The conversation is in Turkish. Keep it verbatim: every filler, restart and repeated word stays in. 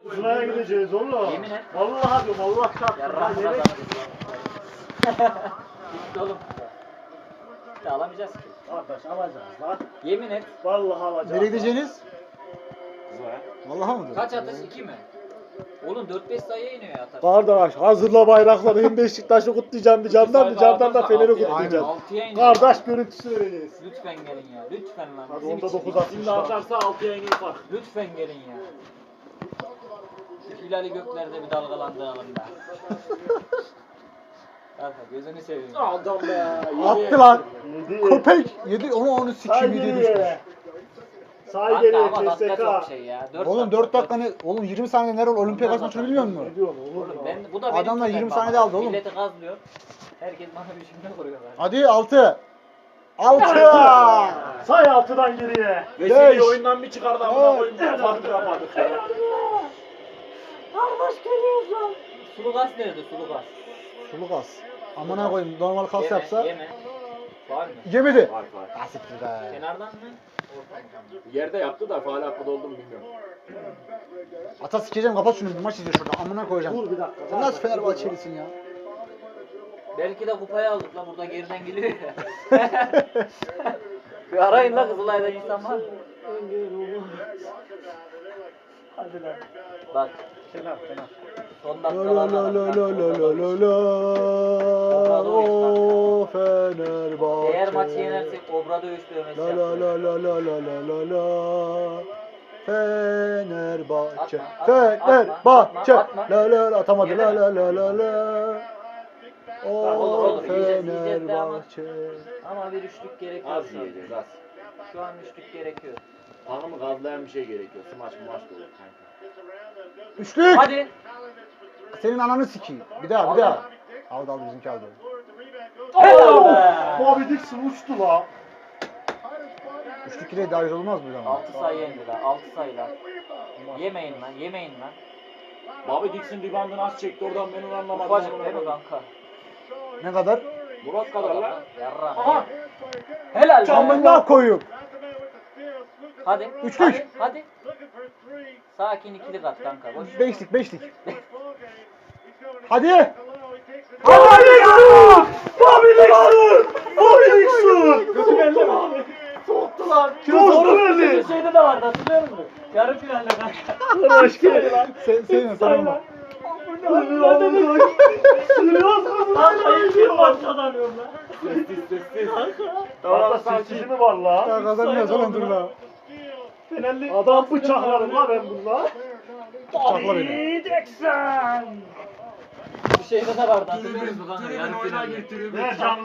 Sıraya gideceğiz oğlum. Yemin et. Vallahi diyorum Allah çarpsın. Yarrağımı Yemek- kazanırız. Gitti oğlum. Ya alamayacağız ki. Kardeş alacağız lan. Yemin et. Vallahi alacağız. Nereye gideceğiniz? Kızlar. Vallahi mıdır? Kaç atış? iki mi? Oğlum dört beş sayıya iniyor ya atar. Kardeş hazırla bayrakları. Hem Beşiktaş'ı kutlayacağım bir camdan bir camdan da Fener'i kutlayacağım. altıya iniyor. Kardeş görüntüsü vereceğiz. Lütfen gelin ya. Lütfen lan. Hadi Bizim onda için. dokuz atmış. Şimdi atarsa altıya iner bak. Lütfen gelin ya. Şu hilali göklerde bir dalgalandıralım da. Kanka gözünü seveyim. Adam be. Attı lan. Yedi. Köpek. Yedi onu onu Say sikim yedi düşmüş. geriye. Say Kanka geriye ama dakika K S çok K. şey ya. dört Oğlum dört dakika ne? Oğlum yirmi saniye nerede olimpiyat kaç maçını bilmiyor musun? Ne diyorsun oğlum? Oğlum ya? ben, bu da benim Adamlar tüpem yirmi baba. saniyede aldı oğlum. Milleti gazlıyor. Herkes bana bir cümle kuruyorlar. Hadi altı. Altı. Say altıdan geriye. Veseli Beş. oyundan bir çıkardı amına koyayım. Farkı yapmadık ya. Kardeş geliyoruz lan. Sulu gaz nerede sulu gaz? Sulu kas. Amına koyayım normal kas Yeme, yapsa. Yeme. Var mı? Yemedi. Var var. Asiktir be. Kenardan mı? Ortadan mı? Yerde yaptı da faal hakkı oldu mu bilmiyorum. Ata sikeceğim kapat şunu bir maç izliyor şurada amına koyacağım. Dur bir dakika. Sen nasıl Fenerbahçelisin ya? Belki de kupayı aldık lan burada geriden geliyor ya. Bir arayın la Kızılay'da insan var mı? Hadi lan. Bak Kenar kenar. son La la la dakikalarda. la la la la la la. O Fenerbahçe. Eğer maçı yenersek Obra dövüş dövmesi La la yapacağız. la la la la la la la. Fenerbahçe. Atma, atma, Fenerbahçe. atma, atma. La la la atamadı. La Yeme. la la la la. Olur, O olur, yiyeceğiz, yiyeceğiz de ama. Fenerbahçe. Ama bir üçlük gerekiyor Az şu an. yiyeceğiz az. Şu an üçlük gerekiyor. Hanımı gazlayan bir şey gerekiyor. Smaç mı maç da olur kanka. Üçlük. Hadi. Senin ananı sikeyim. Bir daha bir daha. Aldı aldı bizimki aldı. Helal be. Bobby Dixon uçtu la. Üçlük ile dahil olmaz mı zaman? altı sayı yendi lan. altı sayı lan. Yemeyin lan. Yemeyin lan. Bobby Dixon reboundını az çekti oradan ben onu anlamadım. Ufacık değil mi kanka? Ne kadar? Murat kadar lan. Yarrağım. Aha. Helal be. Camından koyup. Hadi. Üçlük. Hadi. hadi. Sakin ikili kat kanka. Boş. Beşlik beşlik. Hadi. Bobby Dixon! Bobby Dixon! Bobby Dixon! Kötü belli mi? Soğuttu lan. Bozdu beni. Şeyde de vardı hatırlıyor musun? Yarı finalde kanka. Hoş geldin. Sen senin sana. Kanka ilk bir maç kazanıyorum lan. Sessiz sessiz. Tamam sessizi mi var la? Ya kazanmıyoruz oğlum dur la. Adam bıçaklarım la ben bununla. Bıçakla beni. Bir şeyde de vardı hatırlıyor musun kanka? Yarı finalde. Ver canlı.